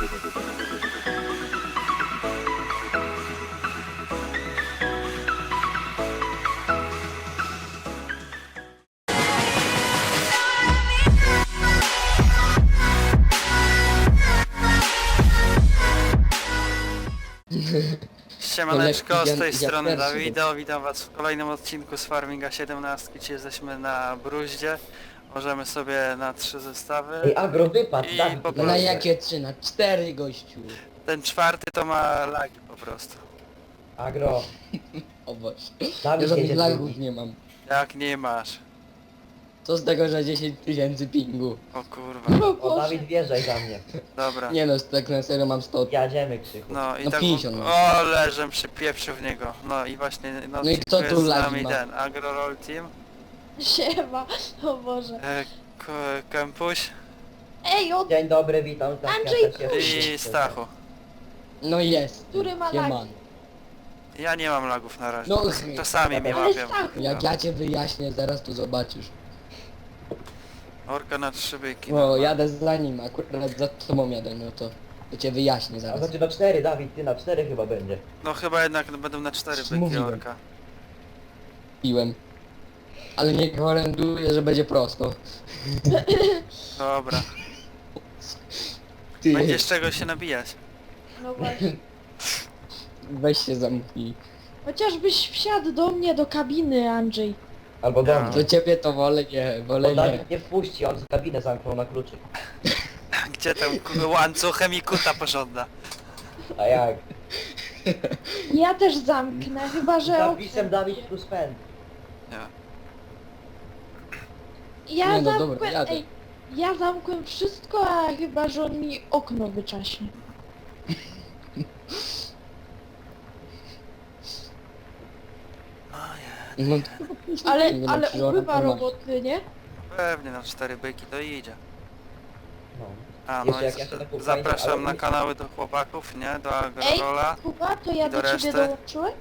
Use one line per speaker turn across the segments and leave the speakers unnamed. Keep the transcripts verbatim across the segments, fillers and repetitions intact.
Siemaneczko, z tej
Ja-
strony
ja pierwszy
Dawido, witam was w kolejnym odcinku z Farminga siedemnaście. Dzisiaj jesteśmy na Bruździe, możemy sobie na trzy zestawy.
Ej, agro wypadł,
I
Dawid,
po
No na
prostu.
jakie trzy? Na cztery, gościu.
Ten czwarty to ma lagi po prostu.
Agro,
O Boże. Ja
Dawid
żadnych
jedzie
lagów
drugi.
nie mam.
Jak nie masz?
Co z tego, że dziesięć tysięcy pingu?
O kurwa.
O, Dawid wjeżdżaj za mnie.
Dobra.
Nie no, tak na serio mam sto.
Jadziemy, Krzychu.
No i
No
tak...
pięćdziesiąt.
O, leżę przypieprzył w niego. No i właśnie no,
No i kto
jest
tu
z
lagi
nami
ma?
ten Agro Roll Team,
Siema, o Boże.
e, K- Kempuś
Ej, od
Dzień dobry, witam. Tak,
Andrzej,
ja też jestem.
i Stachu.
No jest.
Który ma
Sieman.
lagi?
Ja nie mam lagów na razie.
No,
Czasami mnie
Ale
łapią.
Stachu.
Jak ja cię wyjaśnię, zaraz tu zobaczysz.
Orka na trzy byki.
O, jadę za nim, akurat za tobą jadę, no to, to cię wyjaśnię
A
zaraz.
znaczy na cztery, Dawid, ty na cztery chyba będzie.
No chyba jednak będą na cztery byki
Mówiłem.
orka.
Piłem. Ale nie gwarantuję, że będzie prosto.
Dobra.
Ty,
Będziesz czego się nabijać.
No właśnie.
weź się zamknij.
Chociażbyś wsiadł do mnie do kabiny, Andrzej.
Albo do
Ja.
mnie.
Do ciebie to wolę nie, wolę
Bo
nie.
Dawid nie wpuści, on z kabinę zamknął na kluczyk.
Gdzie tam ku- łańcuchem i kuta pożąda.
A jak?
Ja też zamknę, chyba
Z
że...
napisem Dawid plus pęd.
Nie.
Ja
Nie no,
zamkłem...
dobra, jadę.
Ej, ja zamkłem wszystko, a chyba że on mi okno wyczaśnie.
No,
Ale,
nie no,
ale
przecież ona
ubywa
to ma.
roboty, nie?
Pewnie na cztery byki to idzie.
No.
A no
Jeszcze
i
jak ja się
z-
tak upewnię,
zapraszam
ale-
na kanały do chłopaków, nie? Do
Ej,
Agrorola.
Kuba, to ja
I do
do ciebie
reszty?
dołączyłem?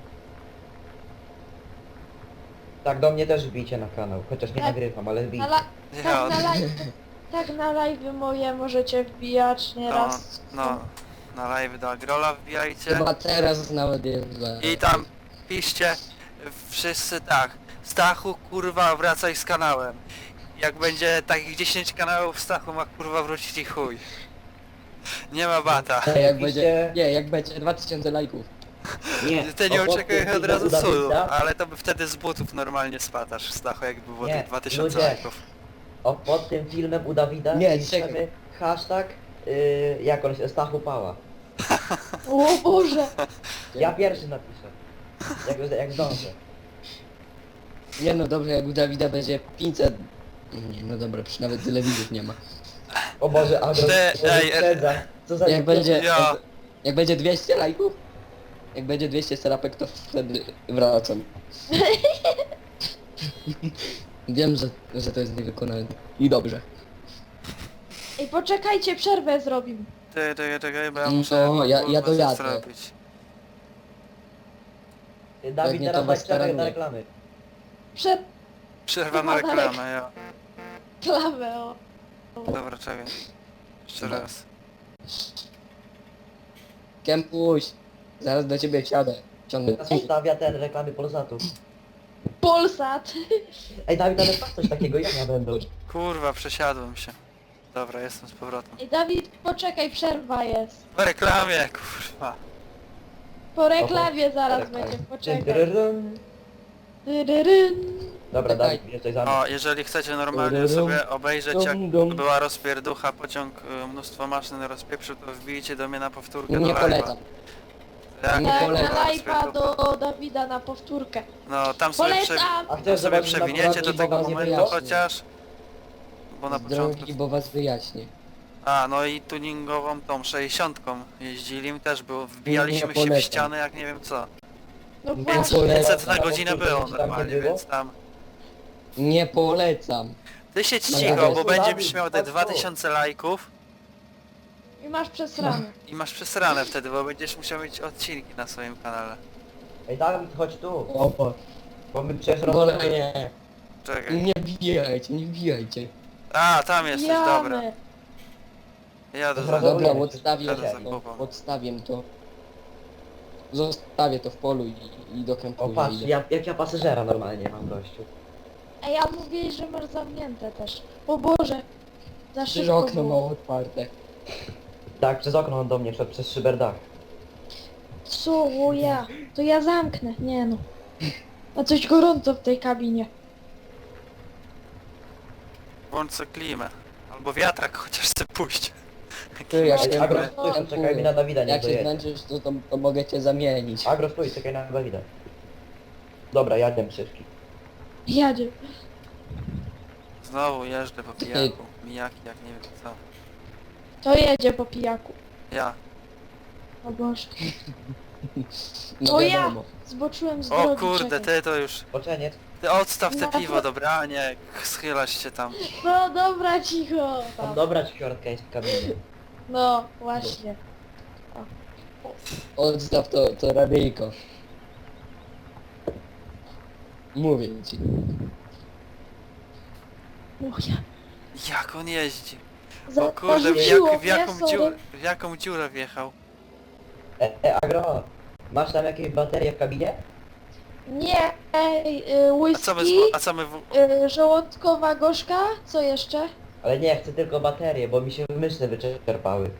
Tak, do mnie też wbijcie na kanał. Chociaż nie
Tak.
nagrywam, ale
Na
wbijcie.
la...
Ja,
Tak na live... Tak na live moje możecie wbijać
no,
nieraz.
no, na live do Agrola wbijajcie.
Chyba teraz nawet jest za...
I tam piszcie wszyscy tak. Stachu kurwa wracaj z kanałem. Jak będzie takich dziesięć kanałów, Stachu ma kurwa wrócić i chuj. Nie ma bata.
Nie, jak
Piszcie-
będzie... Nie, jak będzie dwa tysiące lajków.
Nie.
Ty nie
O, pod
oczekuj
tym
od razu
filmem u
cudu,
Dawida-
ale to by wtedy z butów normalnie spadasz, Stachu, jakby było
Nie,
tych dwa tysiące
ludzie.
lajków.
O, pod tym filmem u Dawida
Nie,
piszemy
czekaj.
hashtag, yy, jak on się, Stachu Pała.
O Boże!
Ja pierwszy napiszę. Jak, jak zdążę.
Nie no dobrze, jak u Dawida będzie pięćset... Nie, no dobra, przecież nawet tyle widzów nie ma.
O Boże, Agro,
Te-
to
ej,
wyprzedza. Co za...
Jak będzie...
Ja.
Jak, jak będzie dwieście lajków? Jak będzie dwieście serapek, to wtedy wracam. Wiem, że, że to jest niewykonalne. I dobrze.
Ej, poczekajcie, przerwę zrobimy.
Ty, ty, czekaj, bo ja
No,
muszę
ja-
kurwa
ja
coś
dojadę.
zrobić.
Dawid,
Pewnie to
teraz
was
daj przerwę na
starannie.
reklamy.
Przed
Przerwa na
Chyba dalej.
reklamę, ja.
klamę, o.
Dobra, czekaj. Jeszcze
Dobra.
raz.
Kempuś, zaraz do ciebie wsiadę. Ciągnę.
Teraz ustawia ten reklamy Polsatu.
Polsat.
Ej, Dawid, ale patrz coś takiego, jak ja będę.
Kurwa, przesiadłem się. Dobra, jestem z powrotem.
Ej, Dawid, poczekaj, przerwa jest.
Po reklamie, kurwa.
Po reklamie zaraz
Reklamy.
będzie,
Dyn,
poczekaj.
dyryrym.
Dyryryn.
Dobra,
Czekaj.
Dawid, jesteś za mną.
O, jeżeli chcecie normalnie
Dum,
sobie obejrzeć jak
dum, dum.
była rozpierducha, pociąg y, mnóstwo maszyn rozpieprzył, to wbijcie do mnie na powtórkę
Nie
do live'a.
polecam.
Jak
Nie
Tak,
była
polecam.
na live'a
rozpierducha.
do Dawida na powtórkę.
No, tam sobie, prze...
Polecam!
A
tam
chcesz
sobie
zobaczyć
przewiniecie do
naprawdę,
tego
bo was nie
momentu
wyjaśnię.
chociaż. Bo na
Z
początku...
drogi, bo was wyjaśnię.
A, no i tuningową tą sześćdziesiątką jeździli, też było, wbijaliśmy
Nie
się w
polecam.
ściany jak nie wiem co.
No
Nie
właśnie.
polecam.
pięćset na
Na
godzinę
powtórce
było
ci tam nie
normalnie,
było?
więc tam...
Nie polecam.
Ty się
No,
cicho,
ale
bo
to
będziesz
Dawid,
miał te
chodź tu.
dwa tysiące lajków
I masz przesrane.
i masz przesrane wtedy, bo będziesz musiał mieć odcinki na swoim kanale.
Ej, Dawid, chodź tu.
O, bo...
Bo my przecież
Wolę
rozmawiamy.
nie.
Czekaj.
Nie bijajcie, nie bijajcie.
A, tam jesteś, dobra.
Jamy.
Jadę za
Dobra,
Dobra,
nie,
odstawię
jadę za
to,
Kubą.
odstawię to. Zostawię to w polu i, i do
O
kempu
patrz,
idę.
ja, jak ja pasażera normalnie mam gościu.
Ej, a mówiłeś, że masz zamknięte też. O Boże. Za
Przecież
szybko
okno
było.
mało otwarte.
Tak, przez okno on do mnie wszedł, przez szyberdach.
Co? O ja. To ja zamknę. Nie no. A coś gorąco w tej kabinie.
Włącz sobie klimę. Albo wiatrak chociaż chce puść.
Ty, jak
Ej,
się,
Agro,
no,
stój, czekaj mi na Dawida, nie
jak się
dojedzie.
zmęczysz, to, to, to mogę cię zamienić.
Agro, stój, czekaj na Dawida. Dobra, jadę szybki.
Jadzie.
Znowu jeżdżę po pijaku. Mijaki jak nie wiem co.
To jedzie po pijaku.
Ja.
O Boże.
No
O ja!
wiadomo.
Zboczyłem z
O
drogi.
kurde,
czekaj.
ty to już...
Poczeniec.
Ty odstaw te
No,
piwo,
to-
dobra? A nie, schylasz się tam.
No dobra, cicho.
Tam
Tam.
dobra ćwiartka jest w kabinie.
No, właśnie.
Odstaw to, to radyjko. Mówię ci.
O ja.
Jak on jeździ?
Za,
O kurde, w,
zarzuciło
jak, w,
mnie,
jaką,
sorry.
dziurę, w jaką dziurę wjechał?
E, e, Agro, masz tam jakieś baterie w kabinie?
Nie, ej, y,
A co my, z,
whisky,
a co my w,
y, żołądkowa gorzka, co jeszcze?
Ale nie, chcę tylko baterie, bo mi się myśli wyczerpały.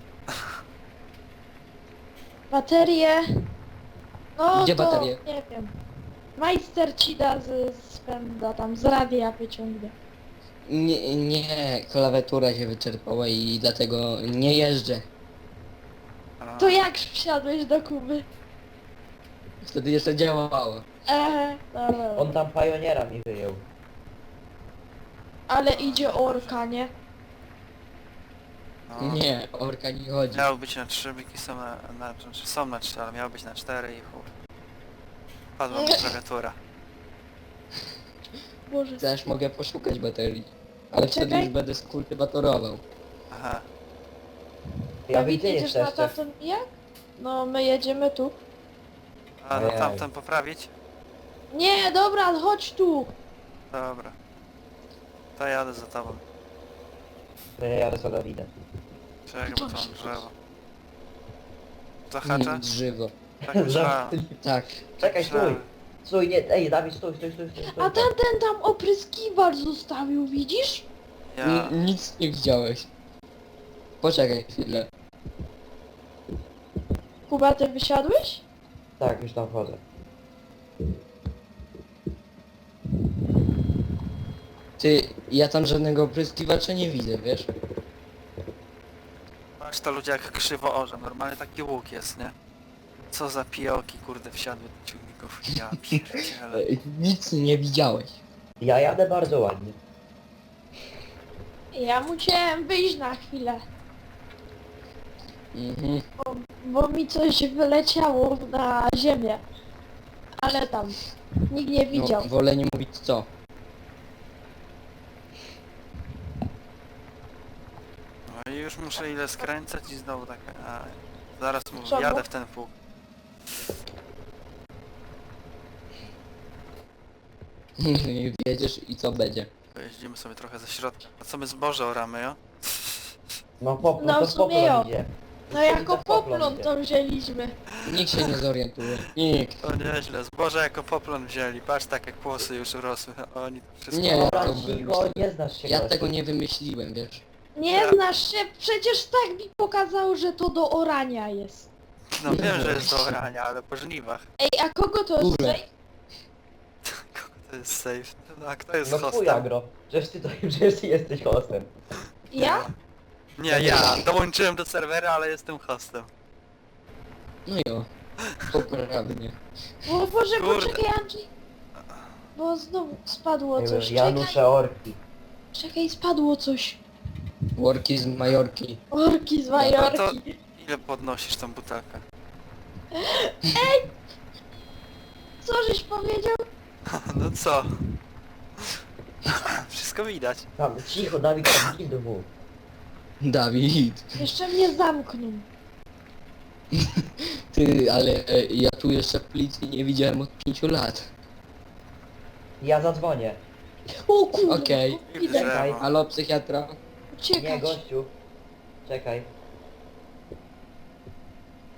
Baterie. No
Gdzie
to,
baterie?
nie wiem. Majster ci da z, z pęda, tam z radia wyciągnie.
Nie, nie, klawiatura się wyczerpała i dlatego nie jeżdżę.
a,
To jak wsiadłeś do Kuby?
Wtedy jeszcze działało.
Eee, dobra.
On tam pajoniera mi wyjął.
Ale idzie orka, nie?
no.
Nie, orka nie chodzi.
Miało być na trzy, byki są na, na, znaczy są na trzy, ale miało być na cztery i chuj. Padła mi klawiatura.
Boże.
Też mogę poszukać baterii. Ale wtedy
Czekaj.
już będę skultywatorował.
Aha.
Ja
Dawid,
widzę
jedziesz na
jeszcze.
tamten jak? No, my jedziemy tu.
A no
Ojej.
tamten poprawić?
Nie, dobra, chodź tu.
Dobra. To jadę za tobą.
Ja jadę za Dawidem.
Czekaj, bo to mam drzewo. Zahacza?
Mm, Drzewo.
Tak myślałem.
Tak.
Czekaj,
Tak
stój!
myślałem.
Stój, nie, ej Dawid, stój, stój, stój, stój, stój.
A tamten tam opryskiwacz zostawił, widzisz?
Ja...
N- Nic nie widziałeś. Poczekaj chwilę.
Kuba, ty wysiadłeś?
Tak, już tam wchodzę.
Ty, ja tam żadnego opryskiwacza nie widzę, wiesz?
Masz to ludzie jak krzywo orze, normalnie taki łuk jest, nie? Co za pijoki, kurde, wsiadły do ciągników. Ja pierdzielę.
Ej, Nic nie widziałeś.
Ja jadę bardzo ładnie.
Ja musiałem wyjść na chwilę,
Mhm.
bo mi coś wyleciało na ziemię. Ale tam, nikt nie widział.
No, wolę nie mówić co.
No i już muszę ile skręcać i znowu tak... A, zaraz mu
Co,
jadę
bo-
w ten pół.
Wiedziesz i co będzie.
Pojeździmy sobie trochę ze środka. A co my zboże oramy, jo?
No pop,
No,
to
w sumie
poplon
jo.
idzie.
No jako
To poplon
poplon
idzie.
to wzięliśmy.
Nikt się nie zorientuje. Nikt.
To nieźle, zboże jako poplon wzięli. Patrz tak jak kłosy już urosły. Oni to wszystko...
Nie,
Dobra,
to
cicho,
wymyśliłem.
nie znasz się
Ja
gościu.
tego nie wymyśliłem, wiesz.
Nie znasz się, przecież tak mi pokazało, że to do orania jest.
No wiem, że jest do orania, ale po żniwach.
Ej, a kogo to jest
Kurde.
tutaj?
Kogo to jest safe? No a kto jest
No chuj
hostem?
Agro, przecież ty, to, przecież ty jesteś hostem.
Ja?
Nie, ja. Dołączyłem do serwera, ale jestem hostem.
No jo. Poprawnie.
O Boże,
Kurde.
poczekaj Andrzej. Bo znowu spadło
Nie
coś.
wiem,
Czekaj,
Janusze Orki.
czekaj, spadło coś.
Worki z Majorki.
Orki z
No to
Majorki.
ile podnosisz tą butelkę?
Co żeś powiedział?
No co? Wszystko widać.
Tam, cicho, Dawid, tam gildu mów.
Dawid.
Jeszcze mnie zamknął.
Ty, ale e, ja tu jeszcze policji nie widziałem od pięciu lat.
Ja zadzwonię.
O kurde.
Okej.
I w
Idę.
drzewo.
Halo, psychiatra?
Nie,
Uciekać.
gościu. Czekaj.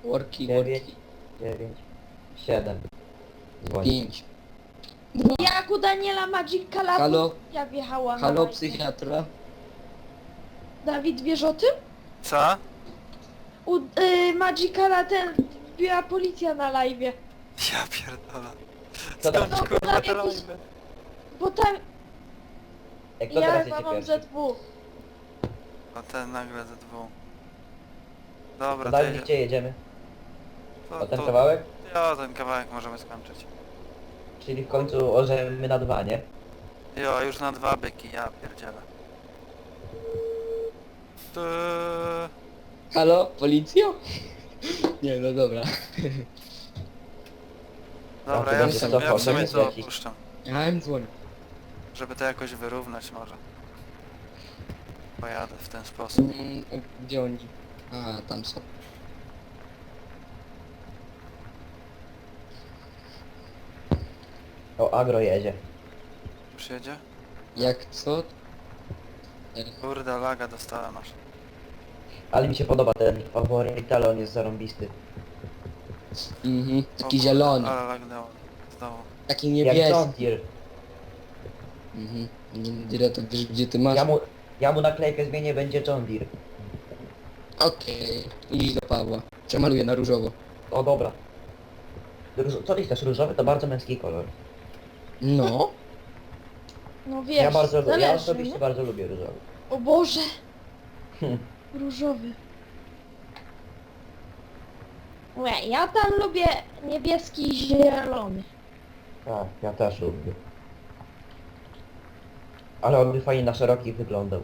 Worki,
dziewięć,
worki.
dziewięć, siedem. Dzwoni.
Pięć.
Jak u Daniela Magic Calabu
Halo?
ja wjechałam na
Halo,
live.
psychiatra?
Dawid, wiesz o tym?
Co?
U y, Magicala ten biła policja na live.
Ja pierdolę.
Co tam?
Skąd
No,
kurwa
tam
to
jakiś-
robię?
Bo tam
Jak to
ja
teraz
chyba
jedzie
mam
pierwszy?
Z W.
O ten nagle ze dwóch. Dobra,
To
to
Dawid,
jedzie.
gdzie jedziemy?
To,
O ten
to,
kawałek?
jo, ten kawałek możemy skończyć.
Czyli w końcu orzemy na dwa, nie?
Jo, już na dwa byki, ja pierdzielę. To...
Halo, policjo? Nie, no dobra.
Dobra,
to
ja w
będzie
sumie,
cofał,
ja w sumie
będzie
to
lecieć.
opuszczam.
Ja im dzwonię.
Żeby to jakoś wyrównać może. Pojadę w ten sposób.
Mm, Gdzie oni? A, tam są.
O, agro jedzie.
Już jedzie?
Jak co?
Kurde, laga dostałem aż.
Ale mi się podoba ten faworyt, on jest zarąbisty.
Mhm,
O
taki
kurde,
zielony.
Ale lagnęło. Znowu.
Taki
Jak John
niebieski.
Deere.
Mhm. Nie, Dire, to wiesz gdzie ty masz?
Ja mu, ja mu naklejkę zmienię, będzie John Deere.
Okej, idź do Pawła. Przemaluję na różowo.
O, dobra. Róż, co ty chcesz? Różowy to bardzo męski kolor.
No.
No wiesz,
Ja bardzo, ja
zależy,
osobiście
nie?
bardzo lubię różowy.
O Boże,
Hm.
różowy. Łe, ja tam lubię niebieski i zielony.
Tak, ja też lubię. Ale on by fajnie na szerokich wyglądał.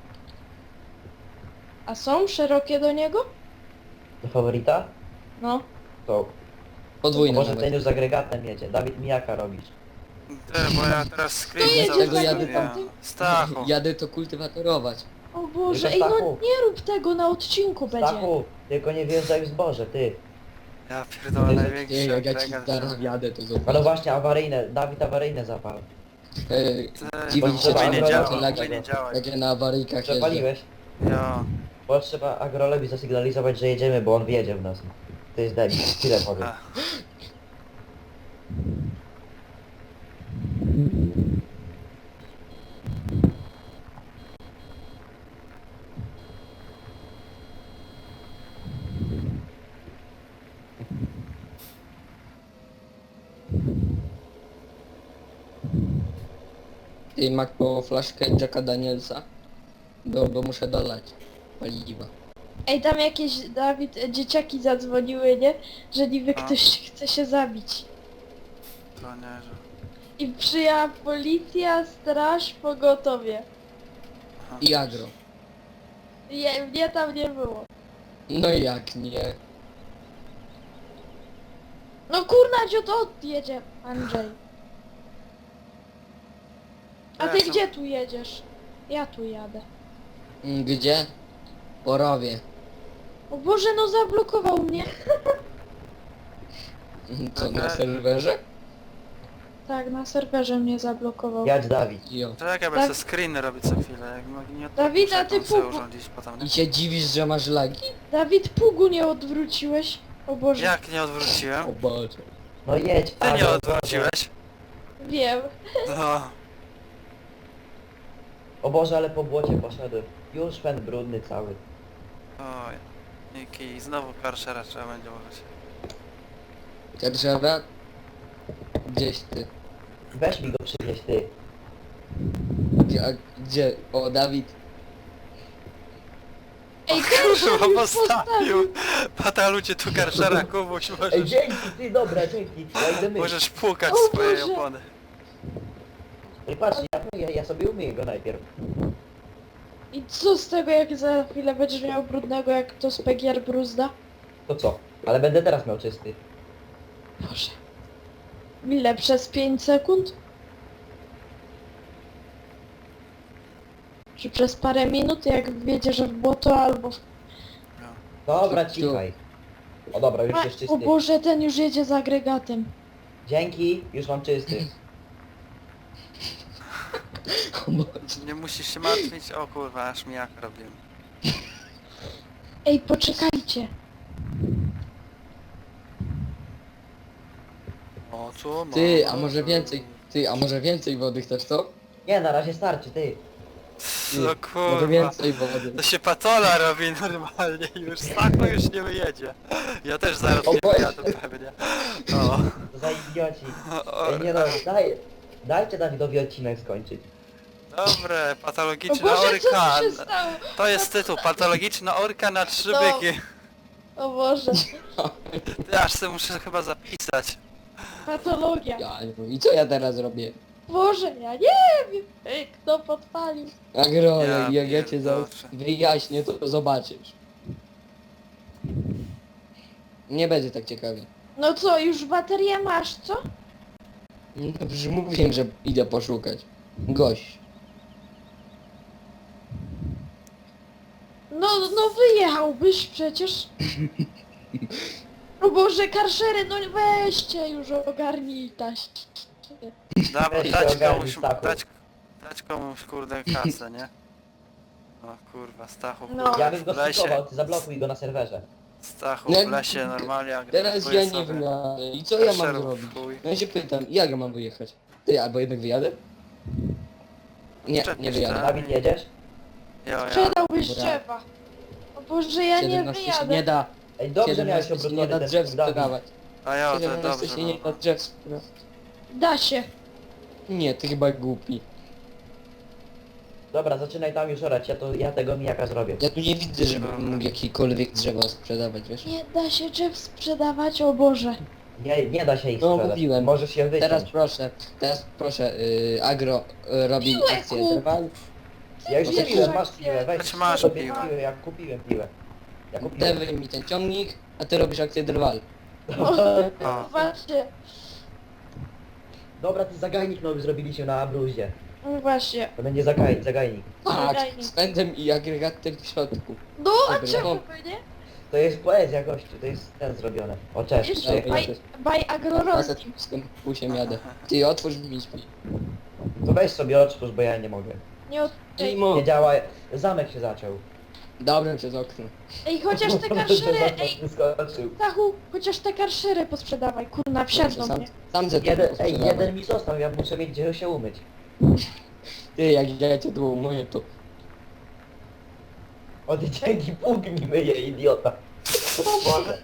A są szerokie do niego?
Do faworyta?
No.
To
Podwójny
może
nawet.
ten już z agregatem jedzie. Dawid, mijaka robisz.
Ty, bo ja teraz screen
jedzie
cały
za
zostawiłem.
tym?
Stachu.
Jadę to kultywatorować.
O Boże,
Tylko
ej no
Stachu.
nie rób tego, na odcinku będzie.
Stachu, tylko nie wjeżdżaj w zboże, ty.
Ja pierdolę
Ty,
największy
jak ja ci
agregat.
zaraz jadę, to zobacz.
A no właśnie, awaryjne, Dawid awaryjne zapal.
Ej,
Ty,
dziwi
bo
się,
to
że
nie
agro-
działa,
to
to
lagi-
nie działa.
będzie na awaryjkach jeżdżę.
Przepaliłeś?
Jo.
Bo trzeba agrolowi zasygnalizować, że jedziemy, bo on wjedzie w nas. To jest debil, tyle powiem.
A.
Ty Mac po flaszkę Jacka Danielsa. Bo, bo muszę dolać paliwa.
Ej, tam jakieś, Dawid, e, dzieciaki zadzwoniły, nie? Że niby
A.
ktoś chce się zabić.
To nie, że...
I przyjęła policja, straż, pogotowie.
I agro.
Je, mnie tam nie było.
No jak nie?
No kurna, dziot odjedzie, Andrzej. A ty
Jestem.
gdzie tu jedziesz? Ja tu jadę.
Mm, Gdzie? Porowie.
O Boże, no zablokował mnie.
Mm, Co, na
Okej.
serwerze?
Tak, na serwerze mnie zablokował.
Jadź Dawid.
Jo.
Czekaj, bo
Tak.
ja sobie screeny robić co chwilę. Jak no, nie
Dawid, a
muszę
ty
tam sobie
pupu-
urządzić potem, nie?
I się dziwisz, że masz lagi?
Dawid, pługu nie odwróciłeś. O Boże,
Jak nie odwróciłem?
O Boże.
No jedź.
Ty nie
agro,
odwróciłeś?
wiem.
No.
O Boże, ale po błocie poszedłem. Już pęd brudny cały.
Oj. Niki, znowu karszera trzeba będzie użyć.
Karżewa? Gdzieś ty.
Weź mi go przywieź, ty.
Gdzie? A, gdzie? O, Dawid.
Ej, ten
Kurwa,
już
postawił! Patalu cię tu karszera, Kubuś,
Ej,
możesz,
dzięki, ty, dobra, dzięki. Ja idę myć.
możesz płukać
O
swojej
Boże.
opony.
Ej, patrz, ja, ja, ja sobie umyję go najpierw.
I co z tego, jak za chwilę będziesz miał brudnego, jak to z P G R bruzda?
To co? Ale będę teraz miał czysty.
Boże. Ile? Przez pięć sekund? Czy przez parę minut, jak wjedziesz w błoto albo w...
Dobra,
Tu, tu.
cichaj. O dobra, już jest
O
czysty.
Boże, ten już jedzie z agregatem.
Dzięki, już mam czysty.
O Boże.
Nie musisz się martwić, o kurwa, aż mi jak robiłem.
Ej, poczekajcie.
O, co ma?
Ty, a może więcej, ty, a może więcej wody chcesz, co?
Nie, na razie starczy, ty.
Ty,
No
może
kurwa.
więcej wody.
To się patola robi normalnie już. Stachu już nie wyjedzie. Ja też zaraz
O
nie
Boże.
wyjadę pewnie. O.
To za idioci.
o
Ej, nie no, daj, dajcie Dawidowi odcinek skończyć.
Dobre,
O
patologiczna
Boże, co
orka.
tu się stało?
To jest tytuł, patologiczna orka na trzy
No.
byki.
O Boże,
Ty aż sobie muszę chyba zapisać.
patologia.
Ja, nie wiem. I co ja teraz robię?
Boże, ja nie wiem. Ej, kto podpalił?
Agro,
Ja
jak, jak ja cię za...
pierdolę.
wyjaśnię, to zobaczysz. Nie będzie tak ciekawie.
No co, już baterię masz, co?
No przecież mówiłem, że idę poszukać. Gość.
No, no wyjechałbyś przecież. O Boże, karszery, no weźcie już ogarnijtaś.
Dobra,
Weź się
dać
ogarnij,
komuś,
Stachu.
dać, dać komuś kurde kasę, nie? O kurwa, Stachu,
No.
kurwa,
Ja bym go
w lesie,
stykował, ty zablokuj go na serwerze.
Stachu
No,
w lesie normalnie
Teraz ja nie wiem, i co ja mam zrobić? Ja się pytam, jak ja mam wyjechać? Ty, albo jednak wyjadę? Nie, nie wyjadę.
Dawid, jedziesz?
Jo, ja.
Sprzedałbyś
Dobra.
drzewa. O Boże, ja nie
siedemnaście się
wyjadę.
nie da,
Ej, dobrze miałeś
siedemnaście się nie
obrócony
da
ten
drzew
twój Dawid.
sprzedawać.
A jo, to
siedemnaście
dobrze
się nie da
było.
drzew sprzedawać.
Da się.
Nie, ty chyba głupi.
Dobra, zaczynaj tam już orać, ja, to, ja tego mijaka zrobię.
Ja tu nie widzę, żebym mógł jakiekolwiek drzewa sprzedawać, wiesz?
Nie da się drzew sprzedawać, o Boże.
Nie, nie da się ich
No,
sprzedać.
mówiłem.
Możesz je wyciąć.
Teraz proszę, teraz proszę, yy, Agro yy, robi
Piłę
akcję
kup.
trwal.
Ja już
Bierzesz
kupiłem, masz
akcję.
piłę, weź
Znaczy masz
sobie
piłę.
piłę, ja kupiłem piłę. Ja kupiłem.
Dewaj mi ten ciągnik, a ty robisz akcję drwal.
O,
Właśnie,
Dobra, ty zagajnik nowy zrobiliśmy na Abruzie.
no właśnie.
To będzie zagaj, zagajnik.
Tak,
Zagajnik.
z pędem i agregatem w środku.
No, a
Dobra.
czemu by nie?
To jest poezja gościu, to jest ten zrobione. O cześć,
Jeszcze
Dobra,
przyjechał.
by,
ja też.
by agrorolskim.
Z tym pusiem jadę. Ty otwórz mi drzwi.
To weź sobie otwórz, bo ja nie mogę.
Nie od... Ej,
Klimo.
Nie działa, zamek się zaczął.
Dobra, przez okno.
ej, chociaż te karszery, ej,
Wyskoczył.
Stachu, chociaż te karszery posprzedawaj, kurna, wsiadną
sam,
mnie.
sam ze
Jeden, ej, jeden mi został, ja muszę mieć gdzie się umyć.
Ty, jak ja cię tu umyję, to...
Od dzięki Bóg mi myje, idiota. O Boże.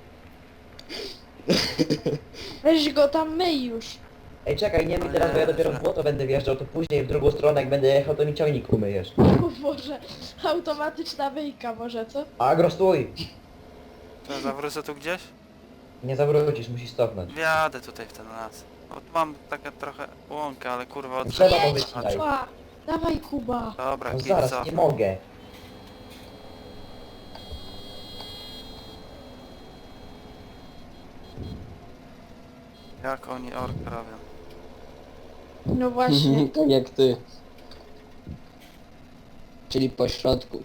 Weź go tam myj już.
Ej, czekaj, nie myj teraz, bo ja dopiero w błoto będę wjeżdżał, to później w drugą stronę, jak będę jechał, to mi ciągnik umyjesz.
O Boże, automatyczna wyjka może, co?
Agro, stój!
to zawrócę tu gdzieś?
Nie zawrócisz, musisz stopnąć.
Wjadę tutaj w ten las. Bo tu mam takie trochę łąkę, ale kurwa od...
Trzeba
Jedź,
powycinać.
Kuba, dawaj Kuba.
Dobra,
No
git,
zaraz,
co?
nie mogę.
Jak oni orkę robią?
No właśnie.
tak jak ty. Czyli po środku.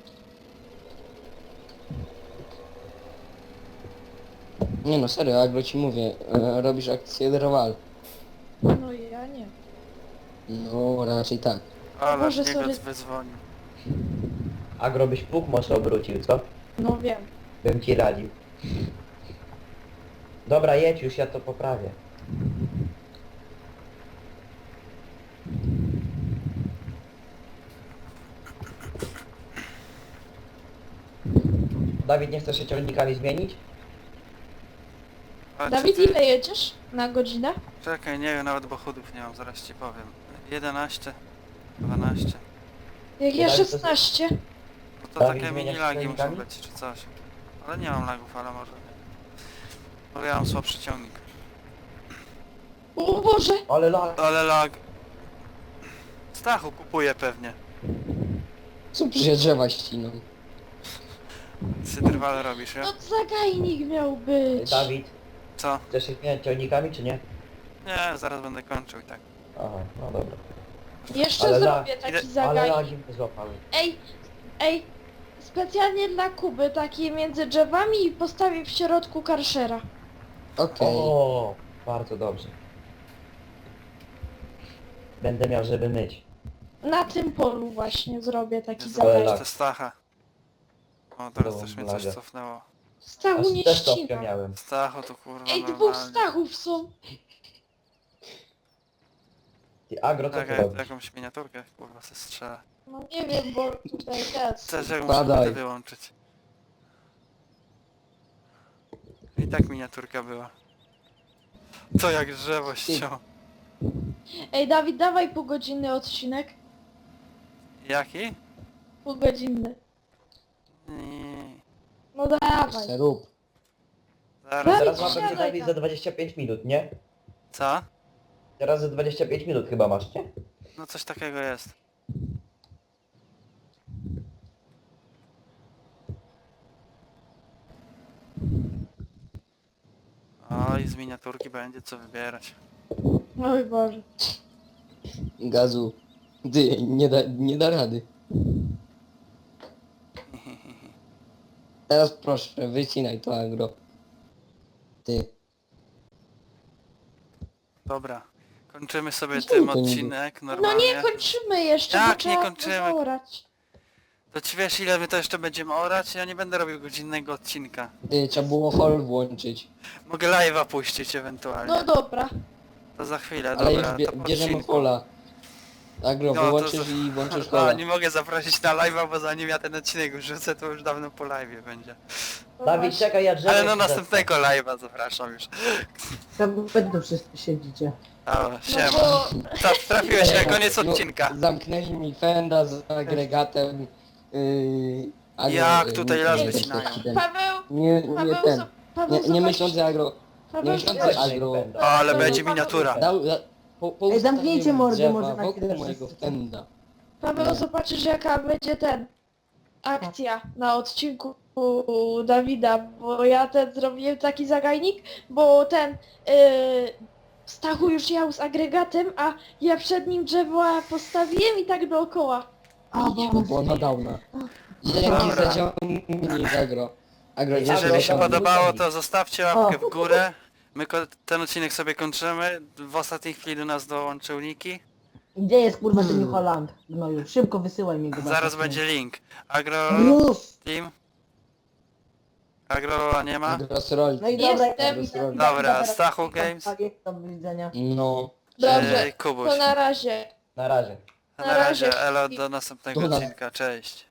Nie no, serio, Agro ci mówię, e, robisz akcję drwal.
No ja nie.
No, raczej tak.
Ale
Boże,
niego
sorry.
wydzwonił.
Agro byś puk mocno obrócił, co?
No wiem.
Bym ci radził. Dobra, jedź już, ja to poprawię. Dawid, nie chcesz się ciągnikami zmienić?
A,
Dawid,
czy ty-
ile jedziesz na godzinę?
Czekaj, nie wiem, nawet bo chudów nie mam, zaraz ci powiem. jedenaście, dwanaście.
Jak
Nie,
ja
Dawid, to-
szesnaście.
No to
Dawid,
takie
zmieniasz
mini lagi muszą
silnikami?
być, czy coś. Ale nie mam lagów, ale może... Bo ja mam słabszy ciągnik.
O Boże,
Ale lag.
Ale lag... Stachu kupuje pewnie.
Co przecież drzewa ściną?
Cydrwale robisz, ja?
no zagajnik miał być.
Dawid,
Co?
chcesz się zmieniać ciągnikami, czy nie?
Nie, zaraz będę kończył i tak.
Aha, no dobra.
Jeszcze
Ale
zrobię
Ile-
taki
Ale
zagajnik.
lagi mnie złapały.
Ej, ej, specjalnie dla Kuby, taki między drzewami i postawię w środku karszera.
Okej.
O, bardzo dobrze. Będę miał, żeby myć.
Na tym polu właśnie zrobię taki
Jezu,
Ale
zagajnik.
lag.
to Stacha. O, teraz
Dobra,
też mnie coś
laga.
cofnęło.
Stachu
Aż
nie
też stopkę
ścina.
miałem.
Stachu to kurwa
Ej, dwóch
normalnie.
Stachów są.
Ty agro, co
Tak,
ty
jak
robisz?
jakąś miniaturkę kurwa se strzela.
No nie wiem, bo tutaj jest.
Też jak muszę
Spadaj.
to wyłączyć. I tak miniaturka była. To jak drzewo ściął.
Ej, Dawid, dawaj półgodzinny odcinek.
Jaki?
Półgodzinny.
Nie.
No dawaj.
Se rób.
Zaraz.
Dawid,
Teraz mamy
siadaj
Dawid
tam.
za dwadzieścia pięć minut, nie?
Co?
Teraz za dwadzieścia pięć minut chyba masz, nie?
No coś takiego jest. Oj, z miniaturki będzie co wybierać.
Oj Boże.
Gazu. Ty, nie da, nie da rady. Teraz proszę, wycinaj to agro. Ty.
Dobra. Kończymy sobie
Co
tym
to niby?
odcinek
No
normalnie.
nie kończymy jeszcze,
Jak
bo
nie
trzeba
kończymy?
zaorać.
To ci wiesz ile my to jeszcze będziemy orać? Ja nie będę robił godzinnego odcinka.
Ty, trzeba było hol włączyć.
Mogę live'a puścić ewentualnie.
No dobra.
To za chwilę,
Ale już
dobra,
bie,
to po
bierzemy
odcinku.
hola. Agro,
No, to
wyłączysz
za-
i włączysz
No,
hola.
nie mogę zaprosić na live'a, bo zanim ja ten odcinek wrzucę, to już dawno po live'ie będzie.
No
Dawid,
właśnie.
czekaj, ja drzewo
Ale no
ci
następnego live'a zapraszam już.
Tam będą wszyscy siedzicie.
O,
No
siema.
bo...
Ta, trafiłeś na koniec
No,
odcinka.
zamknęli mi fenda z agregatem. Yy, agro,
Jak
yy,
tutaj
nie-
las
nie-
wycinają.
ten-
Paweł,
Nie, nie
Paweł,
ten.
zo- Paweł,
Nie, nie
zobacz-
myślący agro. Nie
Paweł,
myślący
zobacz-
zaś.
agro.
O, ale
No,
będzie
no,
miniatura.
Dał, da, po, po
Ej, zamknijcie
ustawieniu
mordy
drzewa
może na
wokół
chwilę
mojego
wszyscy.
fenda.
Paweł, zobaczysz jaka będzie ten... akcja na odcinku u Dawida, bo ja ten zrobiłem taki zagajnik, bo ten... Yy, Stachu już jał z agregatem, a ja przed nim drzewo postawiłem i tak dookoła.
A,
To
bo...
było na downa. Dzięki
Dobra.
za ciągnięcie z agro. Agro,
Jeżeli
Jeżeli się
Agro,
podobało,
Dawid.
to zostawcie łapkę w górę. My ko- ten odcinek sobie kończymy. W ostatniej chwili do nas dołączył Niki.
Gdzie jest kurwa ten New Holland? No już, szybko wysyłaj mi go.
Zaraz będzie link. Agro
Już!
Team. Agro nie ma?
Agro sroli.
No i dobra,
Jestem.
ja-
Dobra, Stachu Games.
Tak, do widzenia.
No.
Dobrze,
Ej, Kubuś.
to na razie.
Na razie.
Na
na
razie,
razie.
elo, do następnego
Do nas-
odcinka, cześć.